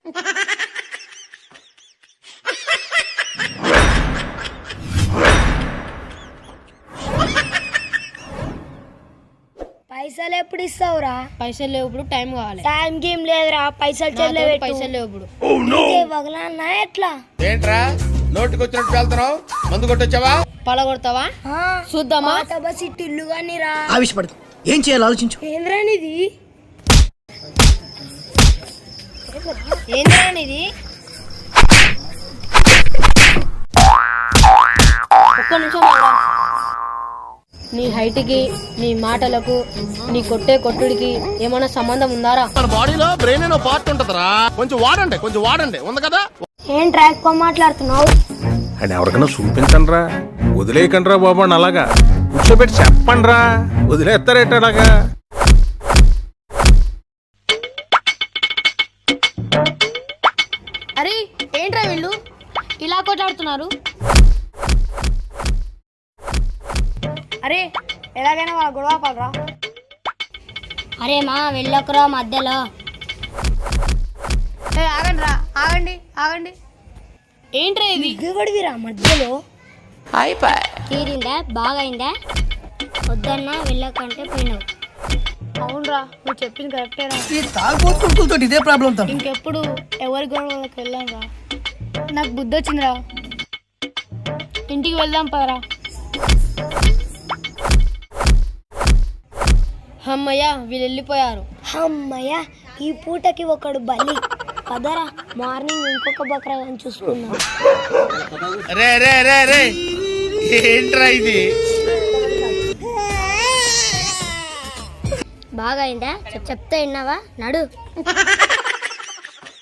పైసలు ఎప్పుడు ఇస్తావురా? పైసలు లేవు, ఇప్పుడు టైం కావాలి. టైం గేమ్ లేదురా, పైసలు చెల్లె పైసలు లేవు ఇప్పుడు. వగలన్నా ఎట్లా? ఏంట్రా నోటికి వచ్చినట్టు వెళ్తున్నావు? మందు కొట్టొచ్చావా? పలగొడతావా? చూద్దామా? బస్ ఇల్లు కానీ రా. ఆవేశపడకు, ఏం చేయాలో ఆలోచించు. ఏంద్రానిది? ఏంద్రానిది? ఒక్క నిమిషం ఆగురా. నీ హైట్కి, నీ మాటలకు, నీ కొట్టే కొట్టుడికి ఏమైనా సంబంధం ఉందారా? మన బాడీలో బ్రెయిన్ అనే పార్ట్ ఉంటదరా, కొంచెం వాడండి ఉంది కదా. ఏంట్రా ఎక్కువ మాట్లాడుతున్నావు? అని ఎవరికైనా చూపించండి రా, వదిలేయకండి రా బాబు అని అలాగా కూర్చోబెట్టి చెప్పండి రా, వదిలేస్తారేటలాగా. అరే ఏంట్రా వీళ్ళు ఇలా కొట్లాడుతున్నారు? అరే ఎలాగైనా వాళ్ళ గొడవ పడరా. అరే మా వెళ్ళకురా మధ్యలో. ఆగండి. ఏంట్రా ఇది? దిగబడివిరా మధ్యలో. అయిపోయి తీరిందా? బాగైందా? వద్దన్నా వెళ్ళకంటే పోయినావు. అవునరా, నువ్వు చెప్పింది కరెక్టేరా. ఈ తాగుబోతులతో ఇదే ప్రాబ్లం తమ్ముడు. ఇంకెప్పుడు ఎవరి గొడవలకు వెళ్ళాంరా. నాకు బుద్ధి వచ్చిందిరా, ఇంటికి వెళ్దాం పదరా. అమ్మయ్య వీళ్ళు వెళ్ళిపోయారు. అమ్మయ్య ఈ పూటకి ఒకడు బలి. పదరా, మార్నింగ్ ఇంకొక బక్రా చూసుకుందాం. రే ఏంట్రా ఇది? బాగా అయిందా? చెప్తే విన్నావా? నడు.